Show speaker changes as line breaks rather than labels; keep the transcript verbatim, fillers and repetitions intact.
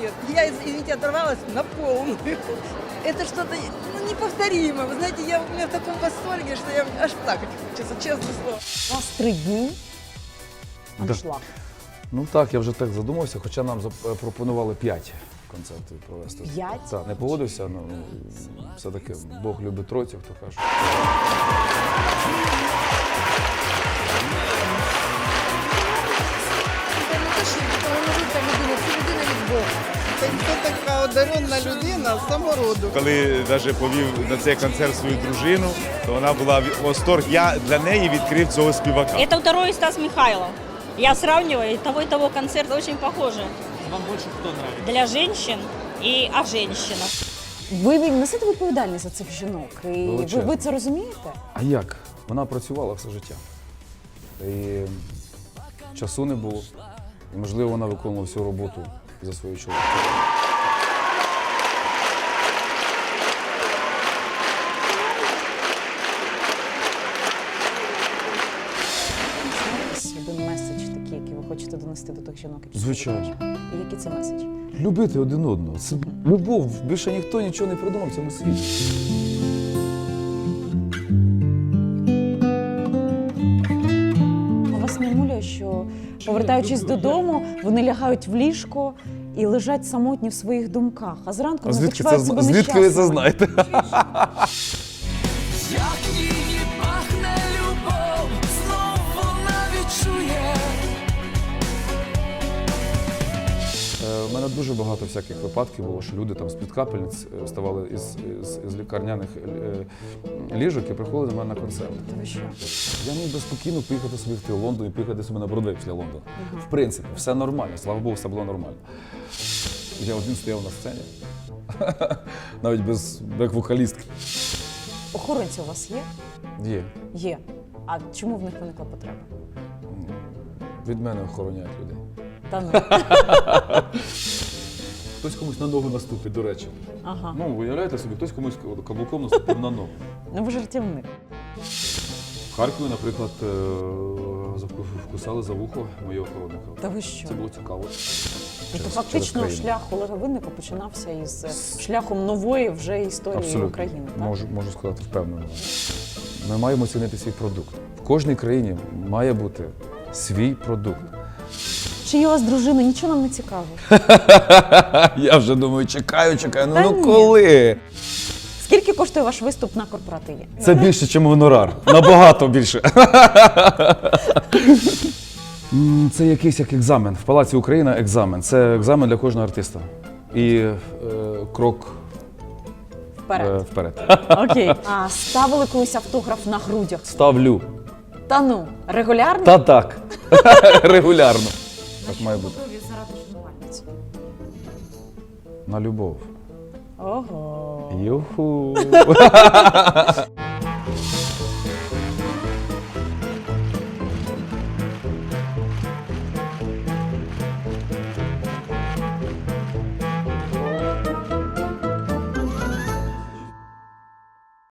концерт. Я, извините, оторвалась на полную. Это что-то ну, неповторимое. Вы знаете, я, у меня в таком восторге, что я аж плакать хочется, честное слово.
У вас три дні аншлаг.
Ну так, я вже так задумався, хоча нам запропонували п'ять концертів провести.
П'ять?
Так, не погодився, але ну, все-таки Бог любить тройцю, хто каже.
Це не те, що талановита людина, це людина від Бога.
Це така одаренна людина самороду.
Коли навіть повів на цей концерт свою дружину, то вона була в восторг. Я для неї відкрив цього співака.
Это второй Стас Михайлов. Я сравниваю, и того и того концерт очень похожи.
Вам больше кто нравится?
Для женщин и о женщинах.
Ви несете відповідальність за цих жінок, і ви,
Величезно.
ви це розумієте?
А як? Вона працювала все життя. І часу не було. І, можливо, вона виконувала всю роботу за свою чоловіка.
Один меседж такий, який ви хочете донести до тих жінок, які
Звичайно.
слухають. І який це меседж?
Любити один одного. Це любов. Більше ніхто нічого не придумав в цьому світі.
А вас не муляє, що, повертаючись додому, вони лягають в ліжко і лежать самотні в своїх думках, а зранку
А
вони
звідки, це,
почувають
зна-
себе
звідки ви це
нещасними.
знаєте?
Як її пахне любов, знов вона відчує.
У мене дуже багато всяких випадків було, що люди там з-під капельниць е, вставали із, із, із лікарняних е, ліжок і приходили до мене на концерт.
Та ви що?
Я міг би спокійно поїхати собі в Лондон і поїхати собі на Бродвей після Лондона. В принципі, все нормально, слава Богу, все було нормально. Я один стояв на сцені, навіть без як вокалістки.
Охоронці у вас є?
Є.
Є. А чому в них виникла потреба?
Від мене охороняють людей.
Та ну.
Хтось комусь на ногу наступить, до речі.
Ага.
Ну, уявляєте собі, хтось комусь каблуком наступив на ногу.
Ну ви жартівник.
В Харкові, наприклад, е, завку- вкусали за вухо моєї охоронника.
Та ви що?
Це було цікаво.
Тобто
через
фактично
країну.
шлях Олега Винника починався із е, шляхом нової вже історії
Абсолютно.
України. Так?
Можу, можу сказати впевнено. Ми маємо цінити свій продукт. В кожній країні має бути свій продукт.
Чи є у вас дружина? Нічого нам не цікаво.
Я вже думаю, чекаю, чекаю. Ну,
Та
ну
ні.
коли?
Скільки коштує ваш виступ на корпоративі?
Це більше, ніж гонорар. Набагато більше. М, Це якийсь як екзамен. В Палаці Україна екзамен. Це екзамен для кожного артиста. І е, крок е,
Вперед.
вперед.
Окей. А ставили колись автограф на грудях?
Ставлю.
Та ну, регулярно?
Та так. Регулярно. Так має бути.
заради шанувальниць?
На любов.
Ого.
Юху.